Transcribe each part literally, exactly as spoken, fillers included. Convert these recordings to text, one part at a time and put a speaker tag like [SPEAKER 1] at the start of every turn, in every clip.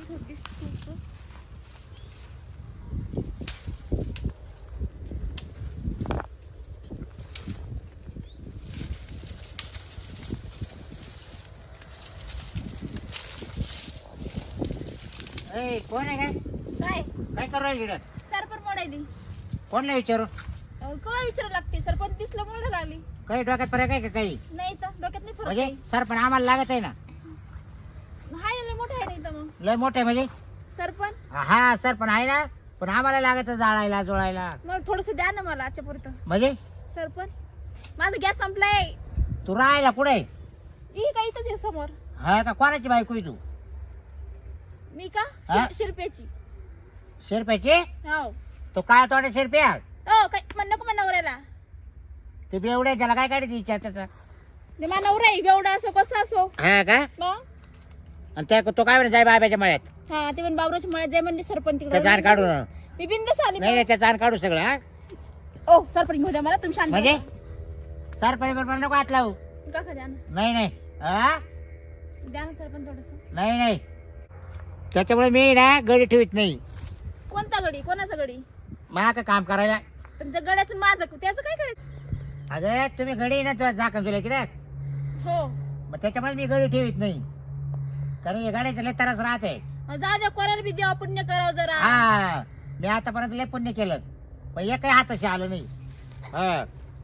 [SPEAKER 1] दिसतो.
[SPEAKER 2] ए कोण आहे काय
[SPEAKER 1] काय
[SPEAKER 2] काय करू राहिली इकडं?
[SPEAKER 1] सरपण मोडायली.
[SPEAKER 2] कोणला विचारू?
[SPEAKER 1] अहो, काय विचारायला लागते? सरपंच दिसलं मोडायला लागली.
[SPEAKER 2] काही डोक्यात फरक आहे का काही?
[SPEAKER 1] नाही तर डोक्यात नाही फरक
[SPEAKER 2] म्हणजे
[SPEAKER 1] आहे.
[SPEAKER 2] सरपण आम्हाला लागत आहे ना.
[SPEAKER 1] हाय ना, लय मोठं आहे नाही तर मग
[SPEAKER 2] लय मोठे म्हणजे
[SPEAKER 1] सरपण.
[SPEAKER 2] हा सरपण आहे ना, पण आम्हाला लागत जाळायला जोळायला.
[SPEAKER 1] मग थोडस द्या ना मला आजच्या पुरतं.
[SPEAKER 2] म्हणजे
[SPEAKER 1] सरपण माझा गॅस संपलाय.
[SPEAKER 2] तू राहायला कुठे?
[SPEAKER 1] ही काय इथंच आहे समोर.
[SPEAKER 2] हा का कोणाची बायको आहे तू?
[SPEAKER 1] मी का
[SPEAKER 2] हा?
[SPEAKER 1] शिर- शिरप्याची.
[SPEAKER 2] शिरप्याची?
[SPEAKER 1] हो.
[SPEAKER 2] तो काय तोडे शिरप्या?
[SPEAKER 1] हो काय म्हण नको म्हणा नवऱ्याला.
[SPEAKER 2] ते बेवड्या त्याला काय काढते विचार त्याचा?
[SPEAKER 1] ते माझा नवरा आहे बेवडा असो कसा असो.
[SPEAKER 2] हा का?
[SPEAKER 1] मग
[SPEAKER 2] आणि त्या तो काय म्हणे जाय बाबाच्या मळ्यात
[SPEAKER 1] हा ते पण बाबराच्या मळ्यात जाय म्हणले सरपंच
[SPEAKER 2] त्या जाण काढू.
[SPEAKER 1] मी बिंदस आली.
[SPEAKER 2] नाही नाही, त्या जाण काढू सगळं. हा
[SPEAKER 1] ओ सरपंच घेऊ द्या मला. तुम्ही शांत
[SPEAKER 2] म्हणजे
[SPEAKER 1] बसा.
[SPEAKER 2] सरपणी बरोबर नको हात लावू.
[SPEAKER 1] का खा द्या ना.
[SPEAKER 2] नाही नाही हा
[SPEAKER 1] द्या ना सरपंच थोडस.
[SPEAKER 2] नाही नाही, त्याच्यामुळे मी ना गडी ठेवत नाही.
[SPEAKER 1] कोणता गडी? कोणाचा गडी?
[SPEAKER 2] मा का काम करायला.
[SPEAKER 1] तुमच्या गड्याचं माझं त्याचं काय करायचं?
[SPEAKER 2] अगं तुम्ही गडी ना तुला झाकण तुला की
[SPEAKER 1] हो
[SPEAKER 2] मग त्याच्यामुळे मी गडी ठेवत नाही, कारण हे गाड्याचं लय त्रास राहते.
[SPEAKER 1] मग जाऊ द्या कोणाला बी देवा पुण्य करावं जरा.
[SPEAKER 2] हा मी आतापर्यंत लय पुण्य केलं, पण एक काही हाताशी आलं नाही. हा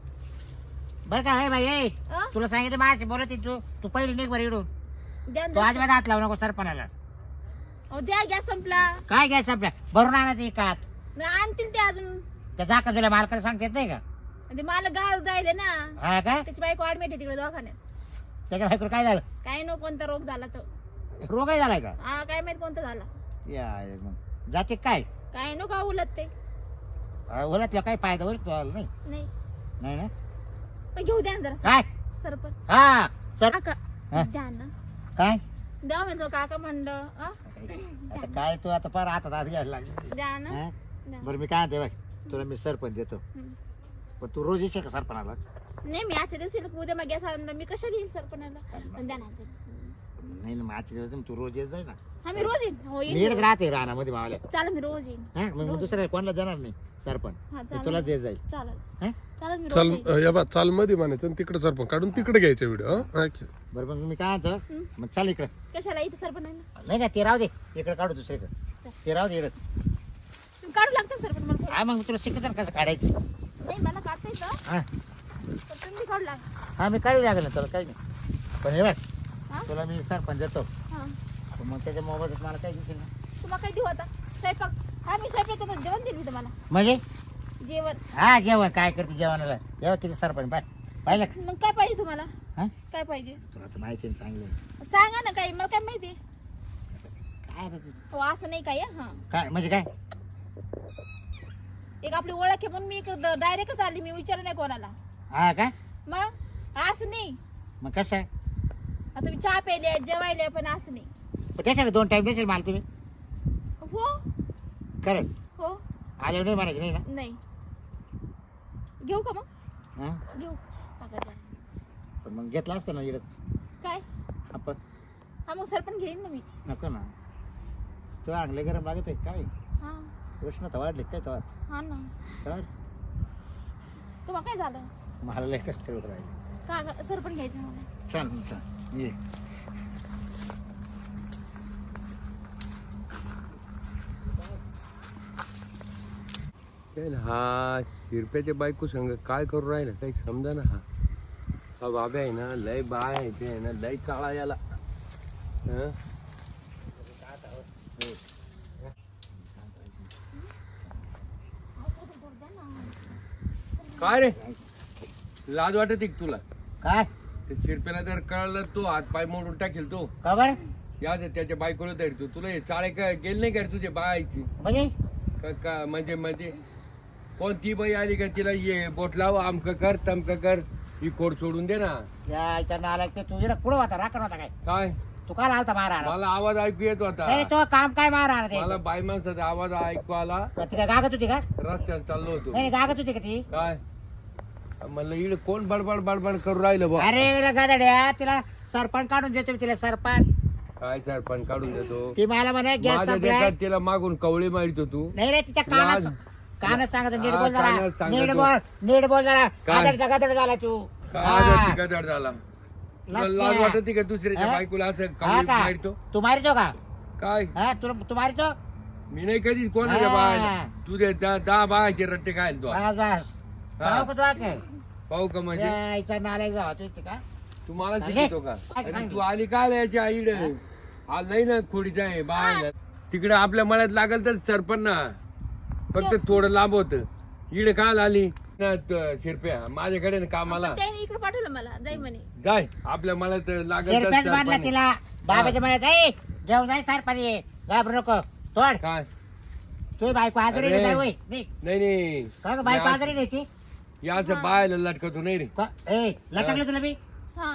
[SPEAKER 2] बरं का हे बाई ए,
[SPEAKER 1] अ?
[SPEAKER 2] तुला सांगितलं माझ्याशी बोलत आहे तू तू पहिली निघ बरं इडून.
[SPEAKER 1] द्या
[SPEAKER 2] तू
[SPEAKER 1] ना.
[SPEAKER 2] अजिबात हात लावू नको सरपणाला.
[SPEAKER 1] अहो, द्या गॅस संपला.
[SPEAKER 2] काय घ्यायचं आपल्या भरून आणायचं एकात.
[SPEAKER 1] मग आणतील ते अजून.
[SPEAKER 2] त्या झाकण तुला मालकाला सांगता येत नाही का?
[SPEAKER 1] ते मला गाव जायले ना.
[SPEAKER 2] हा का?
[SPEAKER 1] त्याची बायको ऍडमिट आहे तिकडे दवाखान्यात.
[SPEAKER 2] त्याच्या बायकोला काय झालं?
[SPEAKER 1] काय नो कोणता रोग झाला तो.
[SPEAKER 2] रोग आहे झालाय का?
[SPEAKER 1] हा काय माहित कोणता झाला.
[SPEAKER 2] या मग जाते काय
[SPEAKER 1] काय नो का उलट ते.
[SPEAKER 2] ओलातला काय फायदा होईल तुला? नाही
[SPEAKER 1] नाही
[SPEAKER 2] नाही ना.
[SPEAKER 1] पण घेऊ द्या ना जरा
[SPEAKER 2] काय
[SPEAKER 1] सरपंच.
[SPEAKER 2] हा सर
[SPEAKER 1] काका
[SPEAKER 2] हा?
[SPEAKER 1] द्या ना.
[SPEAKER 2] काय
[SPEAKER 1] द्या म्हणतो काका म्हणलं. अ?
[SPEAKER 2] आता काय तू आता फार हातात हात घ्यायला लागली.
[SPEAKER 1] द्या ना.
[SPEAKER 2] हा?
[SPEAKER 1] द्या.
[SPEAKER 2] बरं मी काय म्हणते बघ, तुला मी सरपंच देतो,
[SPEAKER 1] हम्म.
[SPEAKER 2] पण तू रोज येशील का सरपणाला?
[SPEAKER 1] नाही मी आजच्या दिवशी उद्या मग गॅस आणला मी कशाला येईल सरपणाला. पण द्या ना.
[SPEAKER 2] नाही ना, मग आजच्या दिवस तू रोज येत जाय ना.
[SPEAKER 1] हा मी रोज येईन. हो
[SPEAKER 2] मी
[SPEAKER 1] येईन.
[SPEAKER 2] इकडेच राहते रानामध्ये मावल्या.
[SPEAKER 1] चालेल मी रोज येईन.
[SPEAKER 2] हा मग मग दुसऱ्या कोणाला देणार नाही सरपंच,
[SPEAKER 1] हा
[SPEAKER 2] ते
[SPEAKER 1] चालेल.
[SPEAKER 2] तुला देत जाईल.
[SPEAKER 1] चालेल
[SPEAKER 2] हा?
[SPEAKER 1] चालेल मी
[SPEAKER 3] चाल
[SPEAKER 1] रोज येईन.
[SPEAKER 3] या बा चाल मध्ये म्हणायचं आणि तिकडे सरपंच काढून तिकडे घ्यायचा व्हिडिओ.
[SPEAKER 2] बरं मग मी काय म्हणतो,
[SPEAKER 1] हम्म.
[SPEAKER 2] मग चाल इकडं.
[SPEAKER 1] कशाला इथं सरपण आहे ना.
[SPEAKER 2] नाही ना ते राहू दे, इकडे काढू दुसरीकडे. ते राहू दे इकडंच.
[SPEAKER 1] तुम्ही काढू लागतं सरपण मला थोडं.
[SPEAKER 2] हा मग तुला शिकत कसं काढायचं.
[SPEAKER 1] नाही मला काढता येतं
[SPEAKER 2] हा
[SPEAKER 1] पण तुम्ही काढू लाग.
[SPEAKER 2] हा मी काढू लागेल ना तुला, काही नाही. पण हे बघ
[SPEAKER 1] हा
[SPEAKER 2] तुला मी सरपंच देतो,
[SPEAKER 1] हा
[SPEAKER 2] पण मग त्याच्या मोबाईलात मला काय दिसेल ना.
[SPEAKER 1] तुम्हाला काय देऊ आता स्वयंपाक. हा मी स्वयंपाक करतो जेवण देईल मी तुम्हाला.
[SPEAKER 2] म्हणजे
[SPEAKER 1] जेवण.
[SPEAKER 2] हा जेवण काय करते जेवणाला, जेव्हा किती सरपंच पाय पाहिलं का?
[SPEAKER 1] मग काय पाहिजे तुम्हाला?
[SPEAKER 2] हा
[SPEAKER 1] काय पाहिजे
[SPEAKER 2] तुला तर माहिती आहे चांगलं.
[SPEAKER 1] सांगा ना काही. मला काय माहिती.
[SPEAKER 2] काय रे ते?
[SPEAKER 1] हो असं नाही काय. हा
[SPEAKER 2] काय म्हणजे काय?
[SPEAKER 1] एक आपली ओळख आहे म्हणून मी इकडे डायरेक्टच आली. मी विचार नाही कोणाला.
[SPEAKER 2] हा का?
[SPEAKER 1] मग असं नाही.
[SPEAKER 2] मग कसं?
[SPEAKER 1] आता तुम्ही चहा प्यायले जेवायले पण असं नाही.
[SPEAKER 2] पण त्याच्याकडे दोन टाइम देशील मला तुम्ही?
[SPEAKER 1] हो
[SPEAKER 2] खरंच
[SPEAKER 1] हो
[SPEAKER 2] आल्यावर नाही म्हणायचं नाही ना?
[SPEAKER 1] नाही. घेऊ का मग?
[SPEAKER 2] हा
[SPEAKER 1] घेऊ काका द्या.
[SPEAKER 2] पण मग घेतला असतं ना इकडं
[SPEAKER 1] काय?
[SPEAKER 2] आपण.
[SPEAKER 1] हा मग सरपण घेईन ना मी.
[SPEAKER 2] नको ना, तू आणले गरम लागत आहे काय?
[SPEAKER 1] हा
[SPEAKER 2] उष्णता वाढली काय तेव्हा?
[SPEAKER 1] हा ना.
[SPEAKER 2] तर
[SPEAKER 1] तुम्हाला काय झालं?
[SPEAKER 2] मला लय कसं होत राहिले.
[SPEAKER 1] का सरपण घ्यायचं मला.
[SPEAKER 2] चल चल ये.
[SPEAKER 3] हा शिरप्याच्या बायको संग काय करू राहिला काही समजा ना. हा हा बाबा आहे ना लय बाय आहे ते आहे ना लय काळा याला. हं? काय रे लाज वाटत आहे का तुला?
[SPEAKER 2] काय
[SPEAKER 3] ते शिरप्याला जर कळलं तो हात पाय मोडून टाकेल तो.
[SPEAKER 2] का बरं?
[SPEAKER 3] या दे त्याच्या बायकोला धरतो. तुला हे चाळे काय गेले नाही का रे तुझ्या बायची?
[SPEAKER 2] म्हणजे
[SPEAKER 3] का का म्हणजे म्हणजे कोणती बाई आली का तिला ये बोट लाव आमक कर तमक कर ही कोड सोडून दे ना.
[SPEAKER 2] याच्या नाला ते तू इकडे पुढं होता राखण होता काय?
[SPEAKER 3] काय
[SPEAKER 2] तू काय आलता मारा?
[SPEAKER 3] मला आवाज ऐकू येत होता.
[SPEAKER 2] नाही तो काम काय मारा
[SPEAKER 3] मला बाई माणसाचा आवाज ऐकू आला.
[SPEAKER 2] ती काय गागत होती का?
[SPEAKER 3] रस्त्यात चाललो होतो.
[SPEAKER 2] नाही गागत होती का ती?
[SPEAKER 3] काय म्हणलं इड कोण बडबड बडबड करू राहिलं बा?
[SPEAKER 2] अरे गादड्या तिला सरपंच काढून देतो मी तिला सरपंच.
[SPEAKER 3] काय सरपंच काढून देतो
[SPEAKER 2] ती मला म्हणा गॅस
[SPEAKER 3] माझ्या
[SPEAKER 2] संपलाय
[SPEAKER 3] देशात तिला मागून कवळी मारितो तू
[SPEAKER 2] नाही रे तिच्या कानात
[SPEAKER 3] लाज-
[SPEAKER 2] कानात सांगत नीट
[SPEAKER 3] हा,
[SPEAKER 2] बोल जरा
[SPEAKER 3] कानात सांगतो.
[SPEAKER 2] नीट बोल नीट बोल जरा
[SPEAKER 3] काय?
[SPEAKER 2] गदड गदड झाला तू
[SPEAKER 3] काय
[SPEAKER 2] हा.
[SPEAKER 3] आजारी गदार झाला तुला
[SPEAKER 2] लसण्या.
[SPEAKER 3] लाज वाटते का दुसऱ्याच्या
[SPEAKER 2] हा?
[SPEAKER 3] बायकोला असं
[SPEAKER 2] हा
[SPEAKER 3] कवळी
[SPEAKER 2] का
[SPEAKER 3] मारितो
[SPEAKER 2] तू मारितो का
[SPEAKER 3] काय
[SPEAKER 2] हा तुला तू मारितो
[SPEAKER 3] मी नाही कधी कोणाच्या
[SPEAKER 2] हा.
[SPEAKER 3] बायला तुझे दहा दहा बायाचे रट्टे खायला तू
[SPEAKER 2] बस बस
[SPEAKER 3] हा.
[SPEAKER 2] पाहू का तू काय
[SPEAKER 3] पाहू का म्हणजे
[SPEAKER 2] यायचा नालायक जावा तू इथे का
[SPEAKER 3] तू मला
[SPEAKER 2] चालेल.
[SPEAKER 3] शिकवतो का
[SPEAKER 2] काय
[SPEAKER 3] अरे
[SPEAKER 2] सांगितलं?
[SPEAKER 3] तू आली काय याची आईड हा नाही ना खोडीचा आहे बाय तिकडे आपल्या मळ्यात लागल तर सरपण ना फक्त थोडं लांब होत इकडे काल आली ना त- शिरप्या माझ्याकडे ना कामाला
[SPEAKER 1] त्याने इकडे पाठवलं मला जाई म्हणे
[SPEAKER 3] जाय आपल्या मळ्यात लागल तर
[SPEAKER 2] शेरप्याच बांधला
[SPEAKER 3] सरपण.
[SPEAKER 2] तिला बाबाच्या म्हणत ए जेवण जाय सार पाणी घाबरू नको तोड
[SPEAKER 3] काय
[SPEAKER 2] तुझी बायको आजारी
[SPEAKER 3] अरे.
[SPEAKER 2] नाही होय निघ.
[SPEAKER 3] नाही नाही
[SPEAKER 2] का गं, बायको आजारी न्यायची
[SPEAKER 3] याच बायला लटकतो नाही रे
[SPEAKER 2] ए लटकलं तुला मी
[SPEAKER 1] हा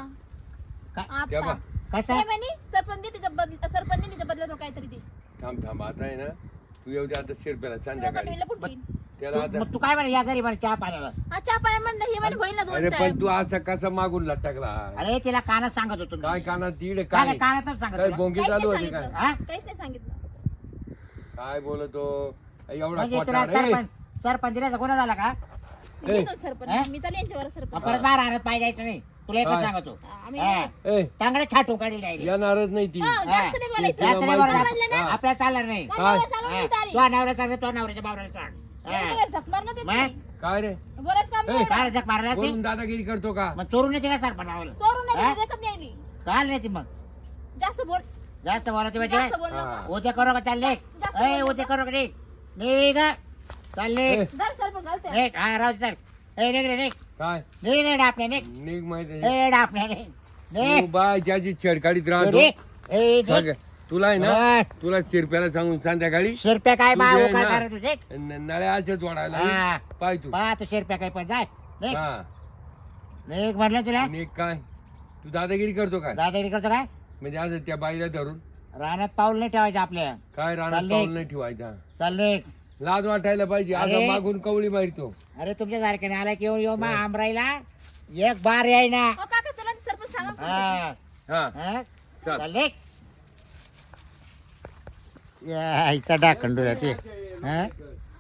[SPEAKER 2] का-
[SPEAKER 3] त्या बा
[SPEAKER 1] आता
[SPEAKER 2] कसं
[SPEAKER 1] काय म्हणे सरपंच तिच्या बदल सरपंच तिच्या बदल्यात काहीतरी दे
[SPEAKER 3] थांब थांब आता आहे ना तू येऊ दे आता शिरप्याला
[SPEAKER 1] तुला
[SPEAKER 3] संध्याकाळी
[SPEAKER 1] कटवीला पुढे
[SPEAKER 3] त्याला
[SPEAKER 2] तू-
[SPEAKER 3] आता
[SPEAKER 2] मग तू काय म्हणे या घरी म्हणे चहा पाण्याला
[SPEAKER 1] हा चहा पाणी म्हणलं हे म्हणे होईल ना
[SPEAKER 3] अरे
[SPEAKER 1] दोन
[SPEAKER 3] पण
[SPEAKER 1] time.
[SPEAKER 3] तू असं कसं मागून लटकला
[SPEAKER 2] अरे तिला कानात सांगत होतो मी.
[SPEAKER 3] काय कानात तीड
[SPEAKER 2] काय
[SPEAKER 3] काय
[SPEAKER 2] काय कानातच सांगत
[SPEAKER 3] काय
[SPEAKER 2] तुला?
[SPEAKER 3] बोंगी
[SPEAKER 1] काहीच
[SPEAKER 3] चालू
[SPEAKER 1] नाही
[SPEAKER 3] होती काय
[SPEAKER 1] सांगितलं.
[SPEAKER 2] हा?
[SPEAKER 1] काहीच नाही सांगितलं
[SPEAKER 3] काय बोलतो एवढा
[SPEAKER 2] म्हणजे तुला
[SPEAKER 3] खोटा रे.
[SPEAKER 2] सरपंच सरपंच दिल्याचा गुन्हा झाला का
[SPEAKER 3] ए.
[SPEAKER 1] घेतो
[SPEAKER 2] हा?
[SPEAKER 1] सरपंच मी चालेल यांच्यावर
[SPEAKER 2] मग
[SPEAKER 1] सरपंच
[SPEAKER 2] परत बाहेर आणत पाहिजे जायचं नाही तुला एकच
[SPEAKER 3] काय?
[SPEAKER 2] सांगतो
[SPEAKER 1] आम्ही
[SPEAKER 2] हा.
[SPEAKER 3] ए
[SPEAKER 2] चांगलं छाटून काढील डायरेक्ट
[SPEAKER 3] येणारच नाही ती
[SPEAKER 1] हा, जास्त नाही बोलायचं
[SPEAKER 2] जास्त नाही बोलायचं.
[SPEAKER 1] समजलं ना?
[SPEAKER 2] आपल्याला चालणार नाही
[SPEAKER 1] माझ्या
[SPEAKER 3] काय?
[SPEAKER 1] नवऱ्याला चालवून
[SPEAKER 2] हा.
[SPEAKER 1] देत आली.
[SPEAKER 2] तुझ्या नवऱ्या सांग तुझ्या नवऱ्याच्या बाबऱ्याला सांग हा.
[SPEAKER 1] एवढं काय झक मारणं देत
[SPEAKER 2] मग?
[SPEAKER 1] नाही.
[SPEAKER 3] काय रे
[SPEAKER 1] बोलायचं काम
[SPEAKER 3] ए,
[SPEAKER 1] नाही
[SPEAKER 2] काय
[SPEAKER 1] एवढं.
[SPEAKER 2] जग मारायला ती
[SPEAKER 3] बोलून दादागिरी करतो का
[SPEAKER 2] मग चोरून येते का सरपंच
[SPEAKER 1] चोरून नाही
[SPEAKER 2] हा?
[SPEAKER 1] गेली, देखत नाही आली.
[SPEAKER 2] काल नाही ती मग
[SPEAKER 1] जास्त बोल
[SPEAKER 2] जास्त बोलायची
[SPEAKER 1] जास्त
[SPEAKER 2] म्हणजे
[SPEAKER 1] बोल
[SPEAKER 3] हा.
[SPEAKER 1] नको.
[SPEAKER 2] उद्या करू का चालले
[SPEAKER 1] जास्त
[SPEAKER 2] ए
[SPEAKER 1] बोलू
[SPEAKER 2] उद्या
[SPEAKER 1] नका.
[SPEAKER 2] करू का निघ निघ चालले
[SPEAKER 3] ए.
[SPEAKER 1] धर सरपंच घालते.
[SPEAKER 2] निघ हा राहू दे, चल ए निघ रे निघ
[SPEAKER 3] काय
[SPEAKER 2] निघ रे डापणे निघ
[SPEAKER 3] निघ माहिती
[SPEAKER 2] ए डापणे निघ निघ
[SPEAKER 3] तू बाय ज्याची छेडकाडीत राहतो
[SPEAKER 2] निघ. ए निघ.
[SPEAKER 3] सगळं. तुला आहे ना
[SPEAKER 2] हा.
[SPEAKER 3] तुला शिरप्याला सांगून संध्याकाळी
[SPEAKER 2] शिरप्या काय बा
[SPEAKER 3] तुझे
[SPEAKER 2] काय
[SPEAKER 3] ना-
[SPEAKER 2] करत तुझे
[SPEAKER 3] न- नळ्याच्या जोडायला
[SPEAKER 2] हा.
[SPEAKER 3] पाय तू
[SPEAKER 2] बा तू शिरप्या काय पण जाय निघ
[SPEAKER 3] हा
[SPEAKER 2] निघ म्हटलं तुला
[SPEAKER 3] निघ काय तू दादागिरी करतो काय
[SPEAKER 2] दादागिरी करतो काय
[SPEAKER 3] म्हणजे आज त्या बाईला धरून
[SPEAKER 2] रानात पाऊल नाही ठेवायचं आपल्या
[SPEAKER 3] काय राहणार
[SPEAKER 2] चालले.
[SPEAKER 3] पाऊल नाही ठेवायचा
[SPEAKER 2] चल निघ
[SPEAKER 3] लाज वाटायला पाहिजे आज
[SPEAKER 2] अरे.
[SPEAKER 3] मागून कवळी मारतो
[SPEAKER 2] अरे तुमच्या सारख्याने आला की येऊ येऊ मा आमराईला एक बार याय ना
[SPEAKER 1] ओ काका चला ते सरपंच सांगा पुढे.
[SPEAKER 2] हा
[SPEAKER 3] हा
[SPEAKER 2] हा?
[SPEAKER 3] चल.
[SPEAKER 2] चल निघ या, इथं डाकंडू ते हा